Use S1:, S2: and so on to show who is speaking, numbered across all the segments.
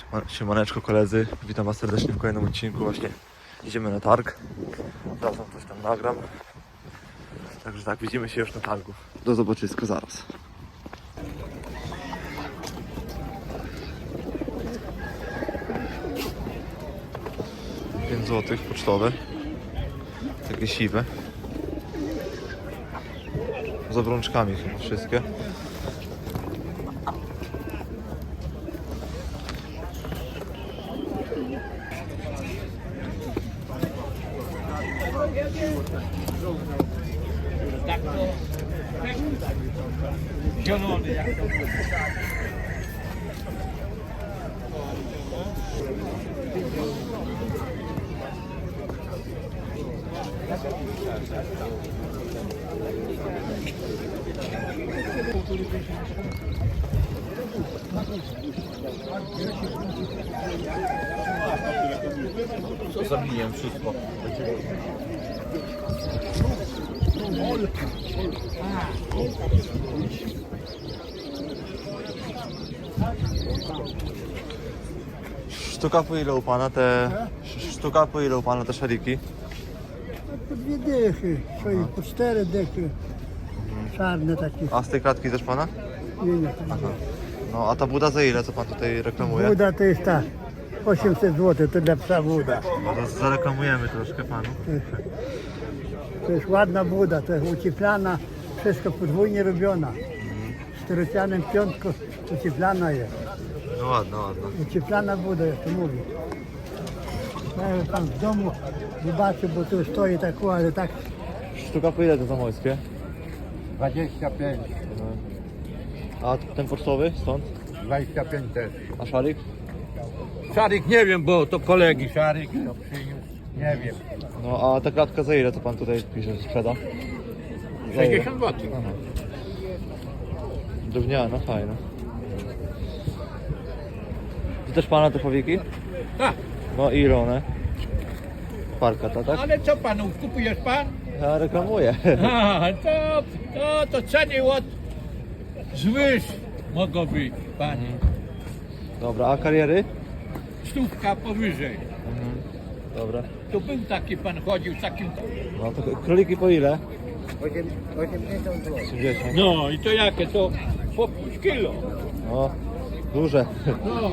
S1: Siemaneczko koledzy, witam was serdecznie w kolejnym odcinku. Właśnie idziemy na targ. Zaraz wam coś tam nagram. Także tak, widzimy się już na targu. Do zobaczyska zaraz. 5 zł pocztowe. Takie siwe. Z obrączkami chyba wszystkie.
S2: Zielony jak to
S1: Co zabiję wszystko. Sztuka po ile u pana te... Sztuka po ile u pana te szariki?
S3: Po 2 dychy, po 4 dychy. Czarne takie.
S1: A z tej klatki też pana?
S3: Nie.
S1: No a ta buda za ile, co pan tutaj reklamuje?
S3: Buda to jest ta 800 zł, to dla psa buda.
S1: No to zareklamujemy troszkę panu.
S3: To jest ładna buda, to jest ucieplana, wszystko podwójnie robiona. Czterocianem piątką ucieplana jest.
S1: No ładno, ładno.
S3: Ucieplana buda, jak to mówi. Jak pan w domu zobaczy, bo tu stoi tak, ale tak.
S1: Sztuka po ile to zamojskie?
S2: 25,
S1: A ten pocztowy stąd?
S2: 25 też.
S1: A szarik?
S2: Szarik nie wiem, bo to kolegi Szarik to przyniósł, nie wiem.
S1: No a ta klatka za ile, co pan tutaj pisze, że sprzeda? Za ile?
S2: 60 zł.
S1: Aha. Drewniana, fajna. To też pana te powieki?
S2: Tak,
S1: No i ile one? Parka ta, tak?
S2: ale co panu, kupujesz pan?
S1: Ja reklamuję.
S2: A, to ceny od zwyż mogą być, panie.
S1: Dobra, a kariery?
S2: Stówka powyżej.
S1: Dobra.
S2: Tu był taki pan chodził z takim...
S1: No to króliki po ile?
S3: 80 zł.
S1: 80.
S2: No i to jakie? To po 5 kilo.
S1: No, duże.
S2: No.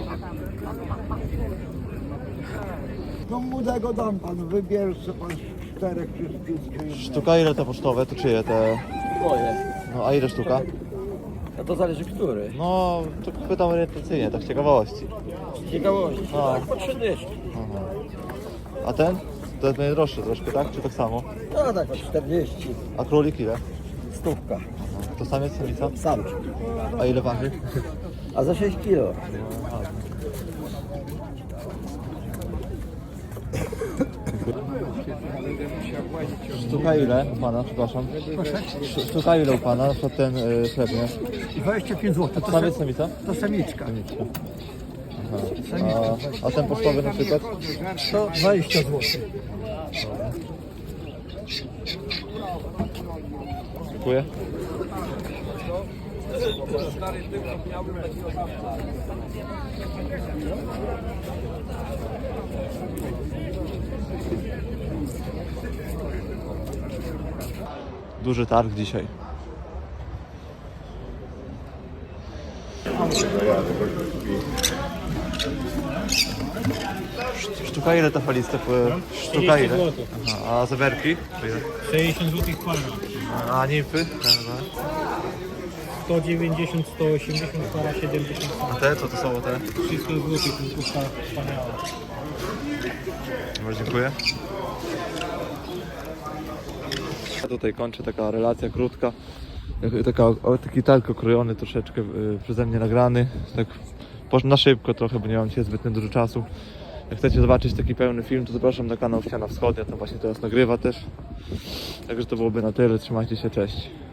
S3: No młodego dam panu, wybierz sobie pan 4 czy 5.
S1: Sztuka ile te pocztowe, to czyje te?
S4: Moje.
S1: No a ile sztuka?
S4: A to zależy który.
S1: No, to pytam orientacyjnie, tak z ciekawości.
S4: Z ciekawości.
S1: No.
S4: Tak, po 3 dyszki.
S1: Aha. A ten? To jest najdroższy troszkę, tak? Czy tak samo?
S4: No tak, po 40.
S1: A królik ile?
S4: Stówka.
S1: To samiec, samica?
S4: Samczyk.
S1: A ile waży?
S4: A za 6 kilo.
S1: Sztuka ile u pana, przepraszam? Sztuka ile u pana, na przykład ten chlebnie?
S3: 25 zł,
S1: Samiec, samica?
S3: to samiczka.
S1: Samiczka. Aha. A ten pocztowy na przykład?
S3: To 20 zł.
S1: Dziękuję. Duży targ dzisiaj. Sztuka ile ta falista? Sztuka ile? Aha, a zeberki?
S5: 60 zł para.
S1: A nimfy?
S5: 190, 180 para, 70
S1: A te? Co to są te?
S5: 300 zł, tylko wspaniała.
S1: Bardzo dziękuję. Ja tutaj kończę, taka relacja krótka. Taki targ okrojony troszeczkę przeze mnie nagrany. Tak na szybko trochę, bo nie mam dzisiaj zbyt dużo czasu. Jak chcecie zobaczyć taki pełny film, to zapraszam na kanał Ściana Wschodnia, tam właśnie teraz nagrywa też. Także to byłoby na tyle, trzymajcie się, cześć.